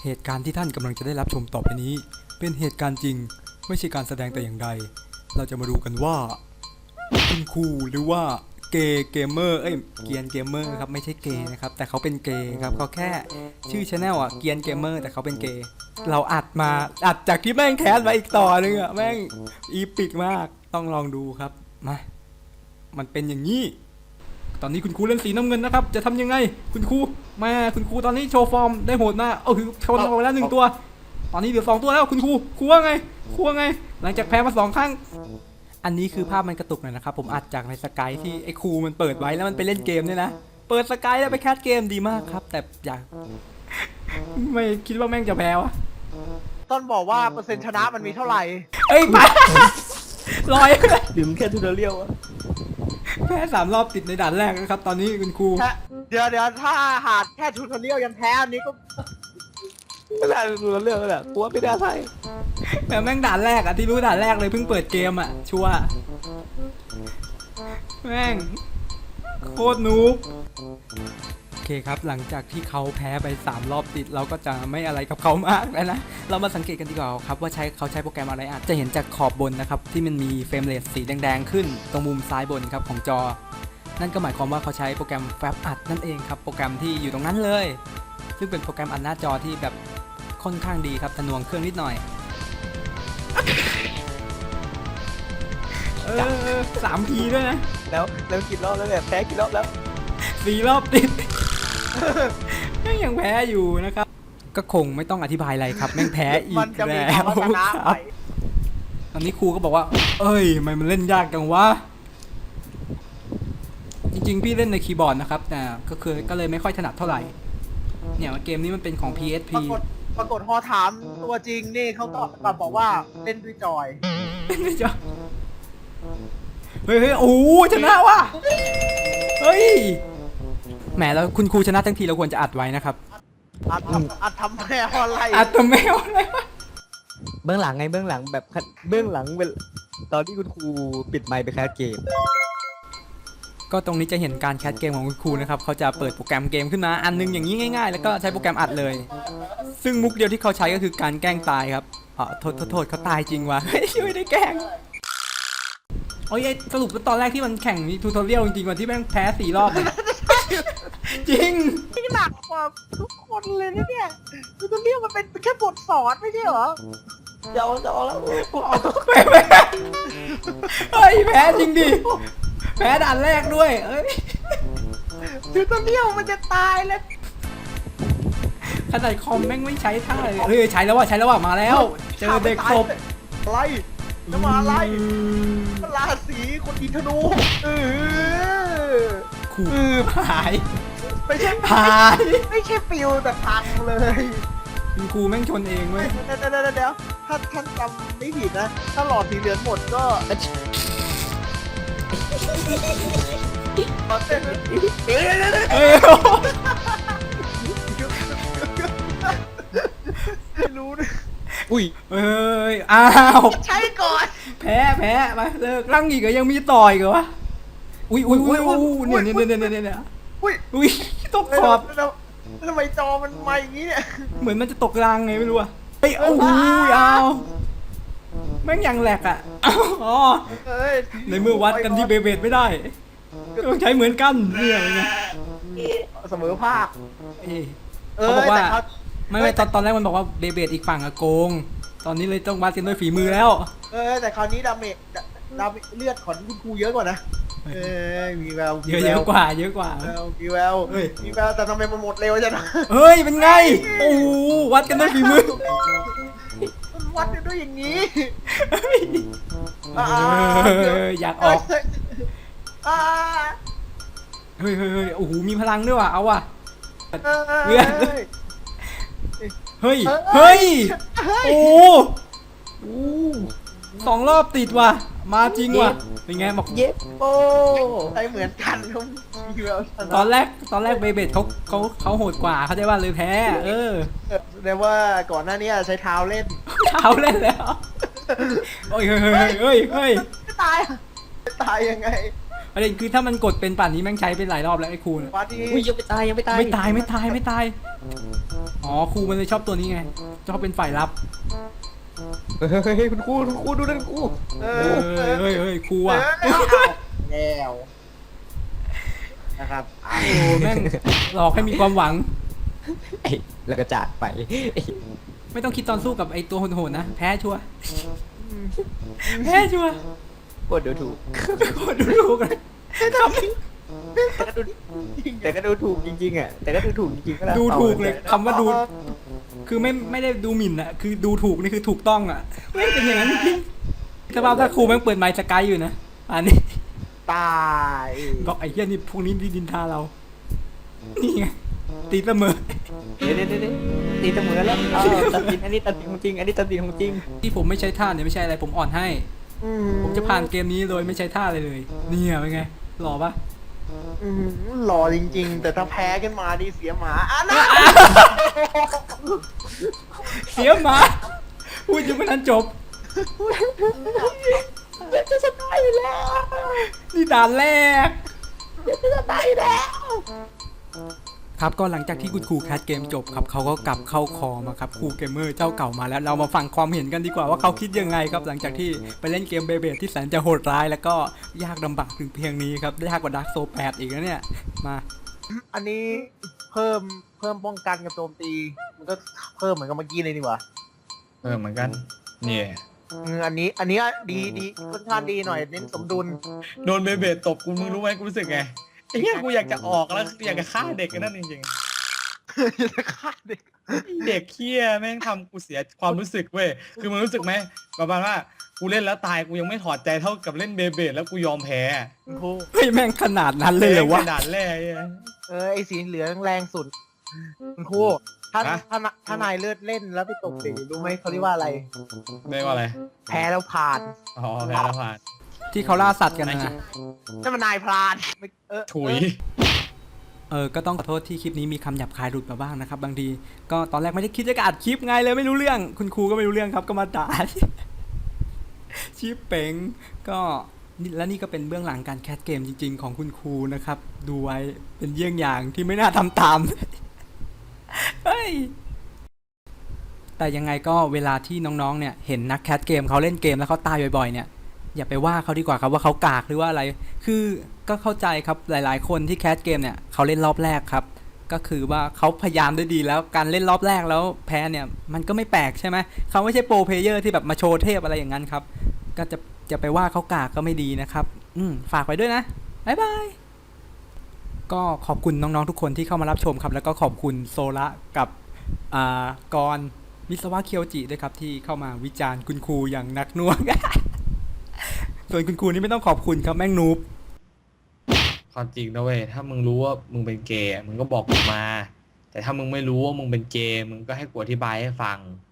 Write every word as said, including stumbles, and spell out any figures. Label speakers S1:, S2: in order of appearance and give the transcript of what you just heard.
S1: เหตุการณ์ที่ท่านกำลังจะได้รับชมต่อไปนี้เป็นเหตุการณ์จริงไม่ใช่การแสดงแต่อย่างใดเราจะมาดูกันว่าคุณครูหรือว่าเกย์เกมเมอร์เอ้ยเกียนเกมเมอร์ครับไม่ใช่เกย์นะครับแต่เขาเป็นเกย์ครับเขาแค่ชื่อชาแนลอ่ะเกียนเกมเมอร์แต่เขาเป็นเกย์เราอัดมาอัดจากที่แม่งแคสมาอีกต่อนึงอ่ะแม่งอีปิกมากต้องลองดูครับมามันเป็นอย่างนี้ตอนนี้คุณครูเล่นสีน้ำเงินนะครับจะทำยังไงคุณครูแม่คุณครูตอนนี้โชว์ฟอร์มได้โหดมากเอาคือชนเอาไปแล้วหนึ่งตัวตอนนี้เหลือสองตัวแล้วคุณครูครูว่าไงครูว่าไงหลังจากแพ้มาสองครั้งอันนี้คือภาพมันกระตุกหน่อยนะครับผมอัดจากในสกายที่ไอ้ครูมันเปิดไว้แล้วมันไปเล่นเกมเนี่ยนะเปิดสกายแล้วไปแคสเกมดีมากครับแต่อยากไม่คิดว่าแม่งจะแพ้วะ
S2: ต้นบอกว่าเปอร์เซ็นต์ชนะมันมีเท่าไหร่
S1: เอ้ยไปลอย
S3: ดื่มแค่ทูเดเรียลอะ
S1: แพ้สามรอบติดในด่านแรกนะครับตอนนี้คุณครู
S2: แค่เดี๋ยวเดี๋ยวถ้าหาดแค่ทูทอเรียลยังแพ้อันนี้ก็
S3: ไม่ได้ทูเดเรียลแหละกลัวไม่ได้ใช่
S1: แต่แม่งด่านแรกอะที่รู้ด่านแรกเลยเพิ่งเปิดเกมอะชัวร์แม่งโคตรนูบโอเคครับหลังจากที่เขาแพ้ไปสามรอบติดเราก็จะไม่อะไรกับเขามากแล้วนะเรามาสังเกตกันดีกว่าครับว่าใช้เขาใช้โปรแกรมอะไรอาจจะเห็นจากขอบบนนะครับที่มันมีเฟรมเรทสีแดงๆขึ้นตรงมุมซ้ายบนครับของจอนั่นก็หมายความว่าเขาใช้โปรแกรมแฟบอัดนั่นเองครับโปรแกรมที่อยู่ตรงนั้นเลยซึ่งเป็นโปรแกรมอัดหน้าจอที่แบบค่อนข้างดีครับทะนวงเครื่องนิดหน่อยเออสามทีด้วยนะ
S3: แล้วแล้วกี่รอบแล้วเนี่ยแพ้กี่รอบแล้ว
S1: สี่รอบติด แม่งยังแพ้อยู่นะครับก็คงไม่ต้องอธิบายอะไรครับแม่งแพ้อี
S2: มัน
S1: ก
S2: จะมี
S1: แล้ว
S2: คำว่าชนะ
S1: ค
S2: ไป
S1: รับตอนนี้ครูก็บอกว่าเอ้ยทำไมมันเล่นยากจังวะจริงๆพี่เล่นในคีย์บอร์ดนะครับแต่ก็คือก็เลยไม่ค่อยถนัดเท่าไหร่เนี่ยเกมนี้มันเป็นของ พี เอส พี
S2: ปรากฏปรากฏพอถามตัวจริงนี่เขาตอบกลับบอกว่าเล่นด้วยจอย
S1: ไม่จอเฮ้ยเฮ้ยโอ้ชนะว่ะเฮ้ยแหมแล้วคุณครูชนะทั้งทีเราควรจะอัดไว้นะครับ
S2: อัดทำอัดทำแพ้อะไร
S1: อัดทำไมเอาอะไรวะ
S3: เบื้องหลังไงเบื้องหลังแบบเบื้องหลังเป็นตอนที่คุณครูปิดไมค์ไปแคสเกม
S1: ก็ตรงนี้จะเห็นการแคสเกมของคุณครูนะครับเขาจะเปิดโปรแกรมเกมขึ้นมาอันนึงอย่างนี้ง่ายๆแล้วก็ใช้โปรแกรมอัดเลยซึ่งมุกเดียวที่เขาใช้ก็คือการแกล้งตายครับอ๋อโทษโทษโทษเขาตายจริงวะ ไม่ได้แกล้งโอ้ยสรุปว่าตอนแรกที่มันแข่งมีทูทอเรียลจริงๆวันที่แม่งแพ้สี่รอบเนี่ย จริง
S2: นี่หนักกว่าทุกคนเลยนะเนี่ยทูทอเรียลมันเป็นแค่บทสอนไม่ใช่เหรอ
S3: จะเอาจะเอาแล้ว
S1: แพ้แพ้เฮ้ยแพ้จริงดิแพ้ด่านแรกด้วยเอ้ย
S2: ทูทอเรียลมันจะตายแล้ว
S1: ขนาดคอมแม่งไม่ใช้ท่าเลยเฮ้ยใช้แล้วว่ะใช้แล้วว่ะมาแล้วเจอเด็กศพ
S2: อะไรจะมาอะไรราศีคนอินทนูเออ
S1: ขู่หาย
S2: ไม่ใช่
S1: หาย
S2: ไม่ใช่ปิวแต่พังเลย
S1: คุณครูแม่งชนเองเว้ย
S2: เดี๋ยวเดี๋ยวเดี๋ยวถ้าท่านจำไม่ผิดนะ ถ้าหลอดสีเหลืองหมดก็เฮ้ย
S1: เฮ้ย
S2: ไม่รู้นะ
S3: อุ้ย
S1: เฮ้ยอ้าว
S2: ใช้ก่อน
S1: แพ้แพ้ไปเลิกร่างอีกเหรอยังมีต่อยเหรอวะอุ้ยอุ้ยอุ้ยอุ้ยเนี่ยเนี่ยเนี่ยเนี่ยเนี่ย
S2: อุ้ย
S1: อุ้ยตกขอบ
S2: แล้วทำไมจอมันมาอย่างนี้เนี่ย
S1: เหมือนมันจะตกรางไงไม่รู้อะเฮ้ยโอ้โหอ้าวแม่งยังแหลกอะอ๋อ
S2: เอ้ย
S1: ในเมื่อวัดกันที่เบเบดไม่ได้ก็ต้องใช้เหมือนกันเนี่ยไง
S2: เสมอภาค
S1: เอ้ย
S2: เอ
S1: เขา
S2: อ
S1: บอกว่า
S2: แต่เขา
S1: ไม่ไม่ตอนตอนแรกมันบอกว่าเบเบดอีกฝั่งอะโกง ตอนนี้เลยต้องวัดกันด้วยฝีมือแล้ว
S2: เออแต่คราวนี้ดาเมจดาเมจเลือดของคุณครูเยอะกว่านะ เออมีแวว
S1: เยอะเยอะกว่าเยอะกว่า
S2: แววมีแวว
S1: เฮ้ย
S2: มีแววแต่ทำไมมันหมดเร็วจังนะ
S1: เฮ้ยเป็นไงโอ้โหวัดกันด้วยฝีมือ
S2: มันวัดกันด้วยอย่างนี้
S1: เฮ้ย
S2: อ่า
S1: เอออยากออก
S2: อ่า
S1: เฮ้ยเฮ้ยเฮ้ยโอ้โหมีพลังด้วยว่ะเอาว่ะ
S2: เออ
S1: เลือด
S2: เฮ้ย
S1: เฮ้ยเฮ้ย
S2: เฮ้ย
S1: โอ้โหสองรอบติดว่ะมาจริงว่ะเป็นไงบอก
S3: เย็บโอ้
S2: ใช้เหมือนกันเขามีแววชนะ
S1: ตอนแรกตอนแรกเบเบดเขาเขาเขาโหดกว่าเขาได้ว่าเลยแพ้เออ
S2: แสดงว่าก่อนหน้านี้ใช้เท้าเล่น
S1: เท้าเล่นแล้วโอ้ยเฮ้ยเฮ้ยเฮ้ยเฮ้ย
S2: ไม่ตายไม่ตายยังไง
S1: ประเด็นคือถ้ามันกดเป็นป่านนี้แม่งใช้เป็นหลายรอบแล้วไอ้ครูน่ะ
S2: วัดที่
S3: อุ้ยยังไม่ตายยังไม่ตาย
S1: ไม่ตายไม่ตายไม่ตายอ๋อครูมันเลยชอบตัวนี้ไงชอบเป็นฝ่ายรับ
S3: เฮ้ยคุณครูคุณครูดูนั่นครู
S2: เอ
S1: เฮ้
S2: อย
S1: เฮ้ยเฮ้ยครู
S2: เอ
S1: อ่ะ
S2: อแล้วนะครับอ่ะ
S1: โอ้แม่งหลอกให้มีความหวัง
S3: ไอ้แล้วก็จากไป
S1: ไม่ต้องคิดตอนสู้กับไอตัวโหดๆนะแพ้ชัวร์แพ้ชัวร์
S3: โคตรดูถูก
S1: โคตรดูถูกเลยทำ
S3: แต่ก็ดูแต่ก็ดูถูกจริงๆอ่ะแต่ก็ดูถูกจริงๆก็แล้ว
S1: ดูถูกเลยคำว่าดู คือไม่ไม่ได้ดูหมิ่นอะคือดูถูกนี่คือถูกต้องอะไม่เป็นอย่างนั้นจริงๆถ้าว่าถ้าครูแม่งเปิดไมค์สกายอยู่นะอันนี้
S2: ตาย
S1: บอกไอ้เหี้ยนี่พวกนี้ดินทาเรา นี่ไงตีเสมอ
S3: เดี๋ยวเดี๋ยวเดี๋ยวตีเสมอแล้วอ้าวตัดสินอันนี้ตัดสินของจริง อันนี้ตัดสินของจริง
S1: ที่ผมไม่ใช้ท่าเนี่ยไม่ใช่อะไรผมอ่อนให้
S2: อื
S1: ผมจะผ่านเกมนี้โดยไม่ใช้ท่าอะไรเลยเนี่ยเป็นไงหล่อปะ
S2: อืมหล่อจริงๆ แต่ถ้าแพ้ขึ้นมาดีเสียหมาอ่ะนะ
S1: เสียหมาพูดยังไม่ทันจบ
S2: จะชนะอยู่แล้ว
S1: นี่ด่านแรก
S2: จะชนะอยู่แล้ว
S1: ครับก็หลังจากที่คุณครูแคสเกมจบครับเขาก็กลับเข้าคอมาครับครูเกมเมอร์เจ้าเก่ามาแล้วเรามาฟังความเห็นกันดีกว่าว่าเขาคิดยังไงครับหลังจากที่ไปเล่นเกมเบเบที่แสนจะโหดร้ายแล้วก็ยากลำบากถึงเพียงนี้ครับยากกว่าดาร์กโซแปดอีกนะเนี่ยมา
S2: อันนี้เพิ่มเพิ่มป้องกันกับโจมตี มันก็เพิ่มเหมือนกับเมื่อกี้เลยดีกว่า
S4: เออเหมือนกันเนี่ย
S2: อืมอันนี้อันนี้ดีดีค่อนข้างดีหน่อยเน้นสมดุล
S4: โดนเบเบตตบกูมึงรู้ไหมกูรู้สึกไงไอ้เหี้ยกูอยากจะออกแล้วอยากจะฆ่าเด็กกันนั่นจริง
S2: จะฆ่าเด็ก
S4: ๆไอ้เด็กเคี้ยแม่งทำกูเสียความรู้สึกเว้ยคือมึงรู้สึกไหมประมาณว่ากูเล่นแล้วตายกูยังไม่ถอดใจเท่ากับเล่นเบเบตแล้วกูยอมแพ้
S2: คุณครู
S1: เฮ้ยแม่งขนาดนั้นเลยเหรอวะ
S4: ขนาดแรกไอ้เหี้ย
S2: เออไอสีเหลืองแรงสุดคุณครูถ้า
S4: ฮะ
S2: ถ้าถ้านายเลือดเล่นแล้วไปตกเด็กรู้ไหมเขาเรียกว่าอะไร
S4: เรียกว่าอะไร
S2: แพ้แล้วผ่าน
S4: อ๋อแพ้แล้วผ่าน
S1: ที่เขาล่าสัตว์กันนะ
S2: นั่นมันนายพรานไม่เออ
S4: ถุย
S1: เออก็ต้องขอโทษที่คลิปนี้มีคำหยาบคายหลุดมาบ้างนะครับบางทีก็ตอนแรกไม่ได้คิดจะอัดคลิปไงเลยไม่รู้เรื่อง คุณครูก็ไม่รู้เรื่องครับก็มาด่า ชิปเป๋งก็นี่และนี่ก็เป็นเบื้องหลังการแคสเกมจริง ๆ ของคุณครูนะครับ ดูไว้เป็นเยี่ยงอย่างที่ไม่น่าทำตาม เฮ้ย แต่ยังไงก็เวลาที่น้องๆเนี่ยเห็นนักแคสเกมเขาเล่นเกมแล้วเขาตายบ่อยๆเนี่ยอย่าไปว่าเขาดีกว่าครับว่าเขากากหรือว่าอะไร คือก็เข้าใจครับหลายๆ คนที่แคสเกมเนี่ยเขาเล่นรอบแรกครับ ก็คือว่าเขาพยายามได้ดีแล้วการเล่นรอบแรกแล้วแพ้เนี่ยมันก็ไม่แปลกใช่ไหมเขาไม่ใช่โปรเพลเยอร์ที่แบบมาโชว์เทพอะไรอย่างนั้นครับก็จะจะไปว่าเขากากก็ไม่ดีนะครับอืมฝากไว้ด้วยนะบ๊ายบายก็ขอบคุณน้องๆทุกคนที่เข้ามารับชมครับแล้วก็ขอบคุณโซละกับอ่ากรมิสวะเคียวจิด้วยครับที่เข้ามาวิจารณ์คุณครูอย่างหนักหน่วง ส่วนคุณครูนี่ไม่ต้องขอบคุณครับแม่งนูบ
S4: ความจริงนะเว้ยถ้ามึงรู้ว่ามึงเป็นเกย์มึงก็บอกกูมา แต่ถ้ามึงไม่รู้ว่ามึงเป็นเกย์มึงก็ให้กูอธิบายให้ฟัง